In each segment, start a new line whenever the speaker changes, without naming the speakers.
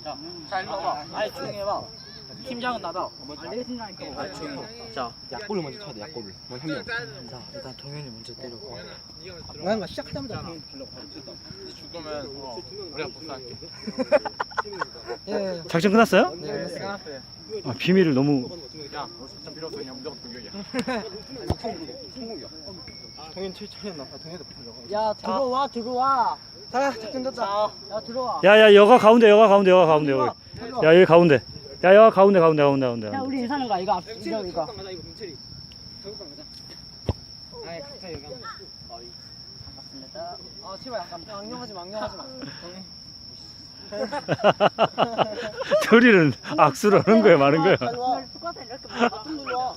자, 일로 와봐. 아니, 조용히 해봐. 팀장은 나다. 내가 팀장이니까. 아니, 조용히 해. 자,
약골을 먼저 쳐야 돼. 약골을. 먼저 한 명.
자, 일단 동현이 먼저 때리고.
뭔가 시작하자마자 그냥
죽으면 우리가 복수할게.
예.
작전 끝났어요?
네, 끝났어요.
아, 비밀을 너무.
야, 진짜 필요 없어. 그냥 무조건 동경이야.
성공이야. 동현 7천이었나? 동현도 못하려고.
야 들어와 들어와.
자, 작전 됐다.
야 들어와.
야야 여가 가운데 여기. 야 여기 가운데. 야 여가 가운데.
야 우리 인사하는 거 이거 이거.
가자, 이거 민철이. 자극방 가자. 아니, 각자 여기.
반갑습니다. 아 제발 약간 망령하지 마.
둘이는 악수를 하는 거야 마는 거야.
똑같아 이렇게 봐. 좀 눌러.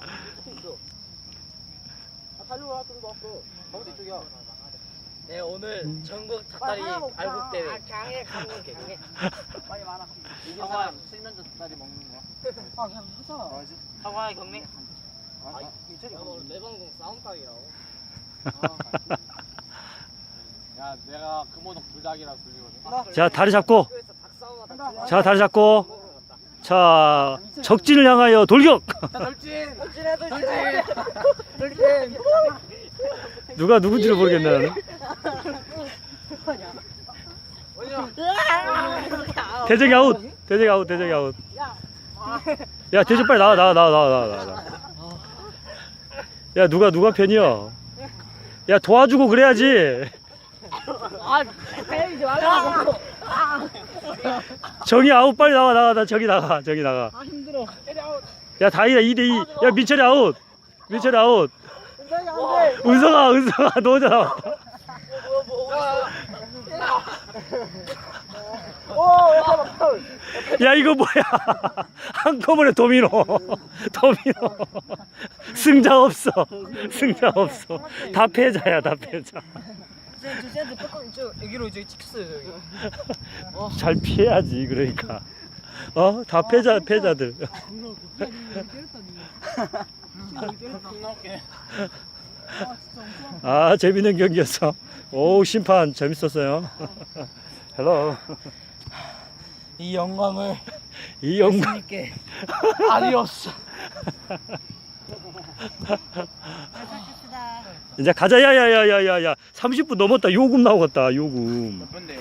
달려와 좀 더.
가운데 이쪽이야.
네, 오늘 전국 닭다리 발국 대회.
강해. 빨리 말아.
이게 사람 실면조 닭다리 먹는 거야.
아 그냥 하자.
사과의 경례.
민철이
내 방송 싸움탕이라고. 야, 내가 금호동 불닭이라 불리거든.
자 다리 잡고. 자 적진을 향하여 돌격.
자, 돌진.
누가 누군지를 모르겠네 나는. 대적이 아웃. 야 대적 빨리 나와. 야 누가 편이야? 야 도와주고 그래야지.
아 때리지 말라고.
정이 아웃 빨리 나와. 저기 나가.
아 힘들어.
야 다이다 2대2. 야 민철이 아웃.
민철이 안 돼.
은성아 너잖아. 야 이거 뭐야? 한꺼번에 도미노. 승자 없어. 다 패자야.
쟤한테 뚜껑 여기로 이제 찍혔어요 여기.
잘 피해야지 그러니까. 다 패자들. 아 재밌는 경기였어. 오 심판 재밌었어요. 헬로.
이 영광을
있게.
아디오스.
이제 가자. 야야야야야야 30분 넘었다. 요금 나오겠다. 요금.